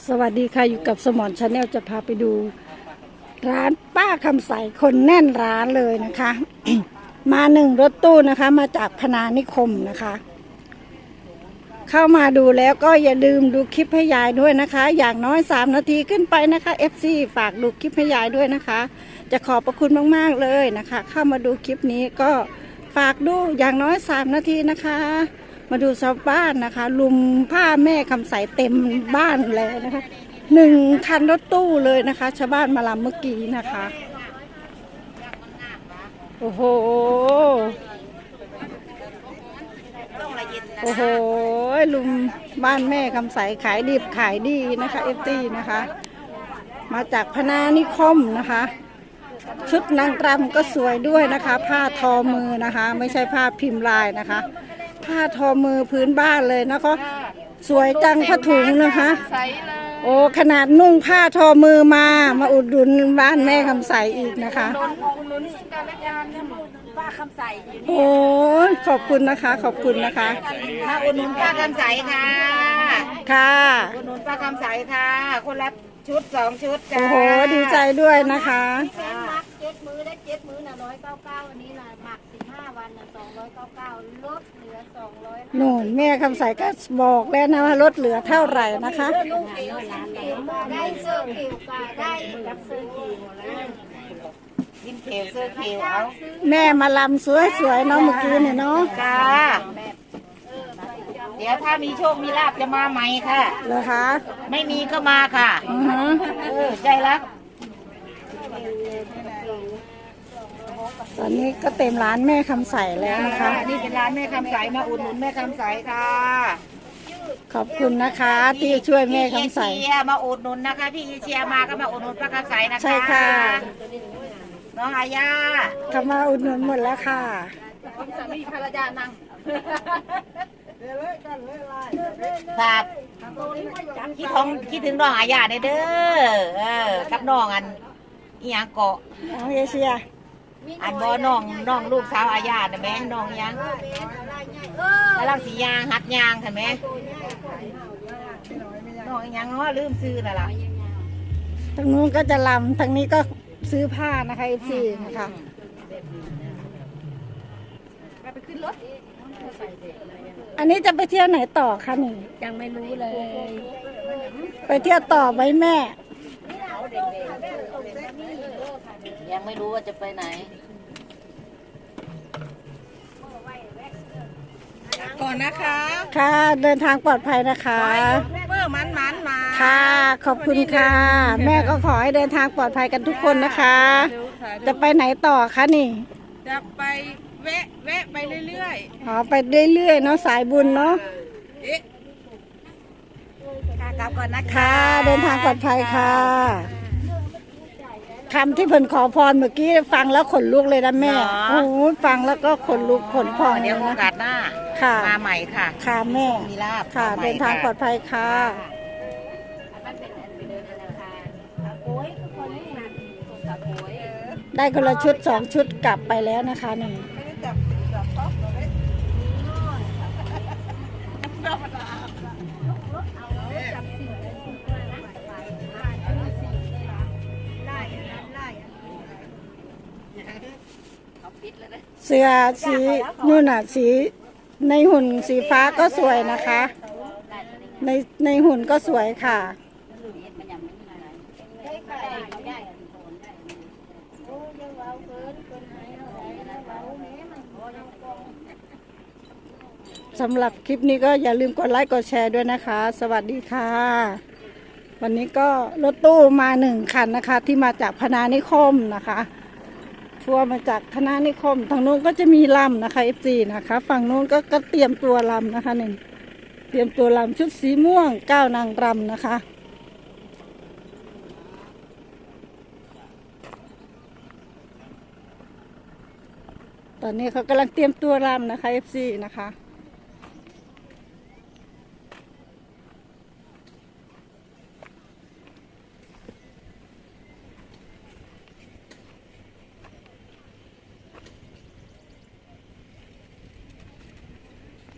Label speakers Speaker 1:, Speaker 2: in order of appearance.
Speaker 1: สวัสดีค่ะอยู่กับสมอนชาแนลจะพาไปดูร้านป้าคำใสคนแน่นร้านเลยนะคะ มา1 รถตู้นะคะมาจากพนานิคมนะคะ เข้ามาดูแล้วก็อย่าลืมดูคลิปให้ยายด้วยนะคะ อย่างน้อย3 นาทีขึ้นไปนะคะ FC ฝากดูคลิปให้ยายด้วยนะคะ จะขอบพระคุณมากๆเลยนะคะ เข้ามาดูคลิปนี้ก็ฝากดูอย่างน้อย3 นาทีนะคะ มาดูชาวบ้านนะคะลุมผ้าแม่คำใสเต็มบ้านเลยนะคะ1 คันรถตู้เลยนะคะชาวบ้านมาลำเมื่อกี้นะคะโอ้โหโอ้โหลุมบ้านแม่คำใสขายดิบขายดีนะคะเอฟตีนะคะมาจากพนานิคมนะคะชุดนางรำก็สวยด้วยนะคะผ้าทอมือนะคะไม่ใช่ผ้าพิมพ์ลายนะคะผ้าทอมือพื้นบ้านเลยนะคะสวยจังผ้าถุงนะคะโอ้ขนาดนุ่งผ้าทอมือมาอุดหนุนบ้านแม่คำใสอีกนะคะ
Speaker 2: ป้าคำใสอยู่นี่
Speaker 1: โอ้ขอบคุณนะคะขอบคุณนะคะ
Speaker 2: มาอุดหนุนป้าคำใสค่ะ
Speaker 1: ค่ะ
Speaker 2: อุดหนุนป้าคำใสค่ะคนละชุด2 ชุดจ้า
Speaker 1: โอ้โหดีใจด้วยนะคะ
Speaker 3: มัก7 มื้อได้7 มื้อน่ะ199อันนี้น่ะหมัก15 วันน่ะ299ลดเหลือ200
Speaker 1: หนูแม่คำใสก็บอกแล้วนะว่าลดเหลือเท่าไหร่นะคะ
Speaker 3: ได้เสื้อผิวก็ได้กับเสื้อผิวแล้ว
Speaker 2: กินเขียวเสื้อเขียวเอา
Speaker 1: แม่มาลำสวยๆเนาะเมื่อกี้เนี่ยเนาะ
Speaker 2: จ้าเดี๋ยวถ้ามีโชคมีลาภจะมาใหม่ค่ะ
Speaker 1: เหรอคะ
Speaker 2: ไม่มีก็มาค่ะใจรัก
Speaker 1: ตอนนี้ก็เต็มร้านแม่คำใสแล้วนะคะ
Speaker 2: นี่เป็นร้านแม่คำใสมาอุดหนุนแม่คำใสค่ะ
Speaker 1: ขอบคุณนะคะที่ช่วยแม่คำใส
Speaker 2: พี่เอเชียมาอุดหนุนนะคะพี่เอเชียมาก็มาอุดหนุนป้าคำใสนะคะ
Speaker 1: ใช่ค่ะ
Speaker 2: น้องอาญา
Speaker 1: เขามาอุดหนุนหมดแล้วค่ะ
Speaker 2: สามีภรรยานั่งครับคิดถึงน้องอาญาเด้อกับน้องอันอีหยังเกาะ
Speaker 1: น้องเอเชีย
Speaker 2: อันบ่น้องลูกสาวอาญาน่ะแม่น้องอีหยังแล้วลังสียางหัดยางเห็นไหมน้องอีหยังเนาะลืมซื้อน่ะล่ะ
Speaker 1: ทางนู้นก็จะลำทางนี้ก็ซื้อผ้านะคะอีซีนะคะ
Speaker 2: ไปขึ้นรถ
Speaker 1: อันนี้จะไปเที่ยวไหนต่อคะนี่
Speaker 3: ยังไม่รู้เลย
Speaker 1: ไปเที่ยวต่อไหมแม่
Speaker 2: ยังไม่รู้ว่าจะไปไหนก่อนนะคะ
Speaker 1: ค่ะเดินทางปลอดภัยนะคะ
Speaker 2: เมื่อมันมา
Speaker 1: ค่ะขอบคุณค่ะ แม่ก็ขอให้เดินทางปลอดภัยกันทุกคนนะคะ จะไปไหนต่อคะนี่
Speaker 2: จะไปแวะไปเรื่อย
Speaker 1: อ๋อไปเรื่อยๆเนาะสายบุญเนาะ
Speaker 2: ค่ะกลับก่อนนะคะ
Speaker 1: ค่ะเดินทางปลอดภัยค่ะคำที่เพิ่นขอพรเมื่อกี้ฟังแล้วขนลุกเลยนะแม่โอ้โหฟังแล้วก็ขนลุกขนพอง
Speaker 2: เดี๋ยวโอกาสหน้า
Speaker 1: ค่ะ
Speaker 2: มาใหม่ค่ะ
Speaker 1: ค่ะแม่
Speaker 2: มีลาบ
Speaker 1: ค่ะ
Speaker 2: มาใหม่
Speaker 1: เดินทางปลอดภัยค่ะ ได้คนละชุด2 ชุดกลับไปแล้วนะคะนี่เสื้อสีนู่นน่ะสีในหุ่นสีฟ้าก็สวยนะคะ ในหุ่นก็สวยค่ะสำหรับคลิปนี้ก็อย่าลืมกดไลค์กดแชร์ด้วยนะคะ สวัสดีค่ะ วันนี้ก็รถตู้มา1 คันนะคะที่มาจากพนานิคมนะคะทัวร์มาจากพนานิคมทางนู้นก็จะมีลำนะคะ F4 นะคะฝั่งนู้นก็เตรียมตัวลำนะคะนี่เตรียมตัวลำชุดสีม่วง9 นางรำนะคะตอนนี้เขากำลังเตรียมตัวรำนะคะ F4 นะคะ